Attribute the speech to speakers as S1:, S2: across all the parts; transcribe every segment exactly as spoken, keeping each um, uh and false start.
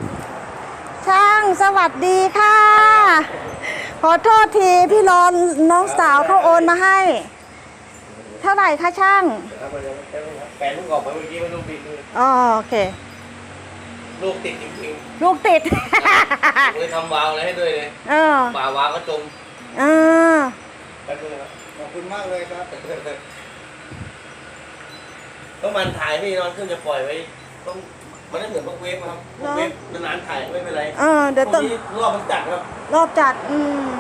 S1: ช่างสวัสดีค่ะ ขอโทษทีพี่รอนน้องสาวเขาโอนมาให้ เท่าไหร่คะช่าง
S2: แฟนลูกออกไปเมื่อกี้ไม่ลูกติดเลย
S1: อ๋อโอเค
S2: ลูกติดจริง
S1: ๆลูกติด
S2: เลยทำวาล์วอะไรให้ด้วยเลย
S1: เออ
S2: ป่าวาล์วก็จม
S1: เออ
S2: ขอบคุณมากเลยครับต้องมันถ่ายพี่นอนขึ้นจะปล่อยไว้ต้องมันไม่เหมือนพวกเวฟครับพวกเวฟนานๆถ่ายไม่เป็นไร
S1: เออเดี๋ยวต้อง
S2: รอบมันจัดครับ
S1: รอบจัดอืม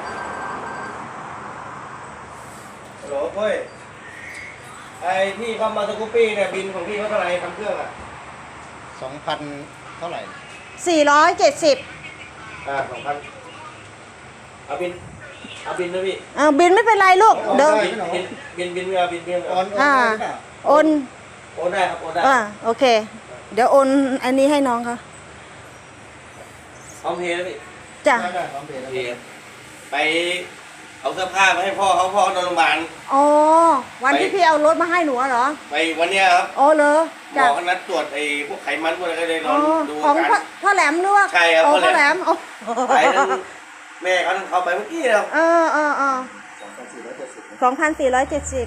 S2: ฮัลโหลเฮ้ยไอที่เข้ามาสกูปปี้เนี่ยบินของพี่เขาเท่าไหร่ทำเครื่องอ่ะ
S3: สองพันเท่าไหร่
S1: สี่ร้อยเจ็ดสิบ
S2: อ่าสองพันเอาบินเอาบินนะพี่
S1: อ่าบินไม่เป็นไรลูกเดิม
S2: บินบินบินไม่เอาบินบิน
S3: โอน
S1: อ่าโอน
S2: โอนได้ครับโอนได้
S1: อ่าโอเคเดี๋ยวโอนอันนี้ให้น้องเขา
S2: พร้อมเพย์นะพี่
S1: จ้ะ
S3: พร้อมเพย์แล้ว
S2: ไปเอาเสื้อผ้ามาให้พ่อเขาพ่อนอนโรงพยาบาล
S1: อ๋อวันที่พี่เอารถมาให้หนูเหรอ
S2: ไปวันเนี้ยครับ
S1: อ๋อเหรอ
S2: หมอเขานัดตรวจไอ้พวกไขมันพวกอะไรก็เลยนอนดู
S1: ของพ่อแหลมหรือว่า
S2: ใช่ครับ
S1: พ่อแหลม
S2: ไปนั่นแม่เขาต้องเขาไปเมื่อกี้แล้ว
S1: เออเออเออสองพันสี่ร้อยเจ็ดสิบ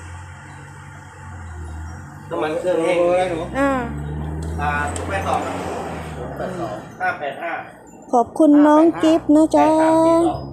S2: น้ำมันเครื่องแห้ง
S1: อ่า
S2: อ่าแปดสองแปดสองห้าแปดห้า
S1: ขอบคุณน้องกิฟต์นะจ๊ะ